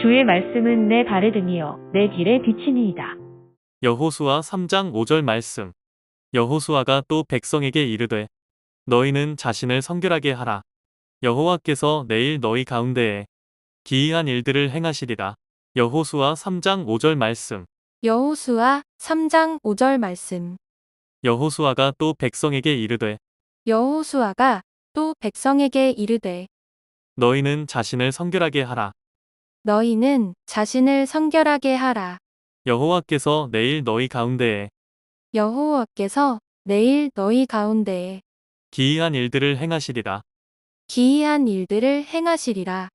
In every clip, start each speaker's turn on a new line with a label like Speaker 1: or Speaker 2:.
Speaker 1: 주의 말씀은 내 발에 등이요 내 길에 비치니이다.
Speaker 2: 여호수아 3장 5절 말씀. 여호수아가 또 백성에게 이르되 너희는 자신을 성결하게 하라. 여호와께서 내일 너희 가운데에 기이한 일들을 행하시리라. 여호수아 3장 5절 말씀.
Speaker 3: 여호수아 3장 5절 말씀.
Speaker 2: 여호수아가 또 백성에게 이르되
Speaker 3: 여호수아가 또 백성에게 이르되
Speaker 2: 너희는 자신을 성결하게 하라.
Speaker 3: 너희는 자신을 성결하게 하라.
Speaker 2: 여호와께서 내일 너희 가운데에
Speaker 3: 여호와께서 내일 너희 가운데에
Speaker 2: 기이한 일들을 행하시리라.
Speaker 3: 기이한 일들을 행하시리라.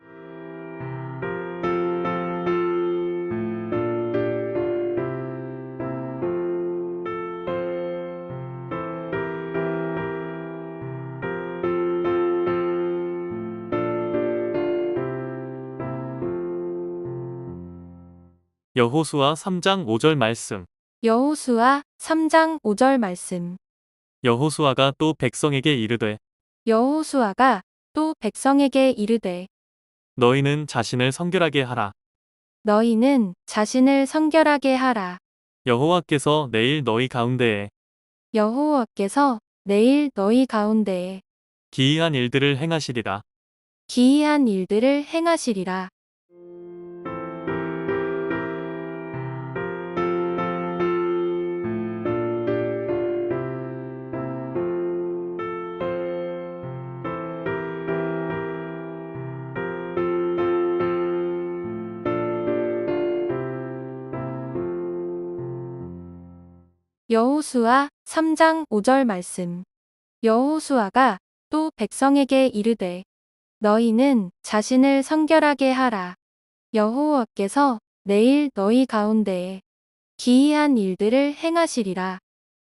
Speaker 2: 여호수아 3장 5절 말씀.
Speaker 3: 여호수아 3장 5절 말씀.
Speaker 2: 여호수아가 또 백성에게 이르되
Speaker 3: 여호수아가 또 백성에게 이르되
Speaker 2: 너희는 자신을 성결하게 하라.
Speaker 3: 너희는 자신을 성결하게 하라.
Speaker 2: 여호와께서 내일 너희 가운데에
Speaker 3: 여호와께서 내일 너희 가운데에
Speaker 2: 기이한 일들을 행하시리라.
Speaker 3: 기이한 일들을 행하시리라. 여호수아 3장 5절 말씀. 여호수아가 또 백성에게 이르되 너희는 자신을 성결하게 하라. 여호와께서 내일 너희 가운데에 기이한 일들을 행하시리라.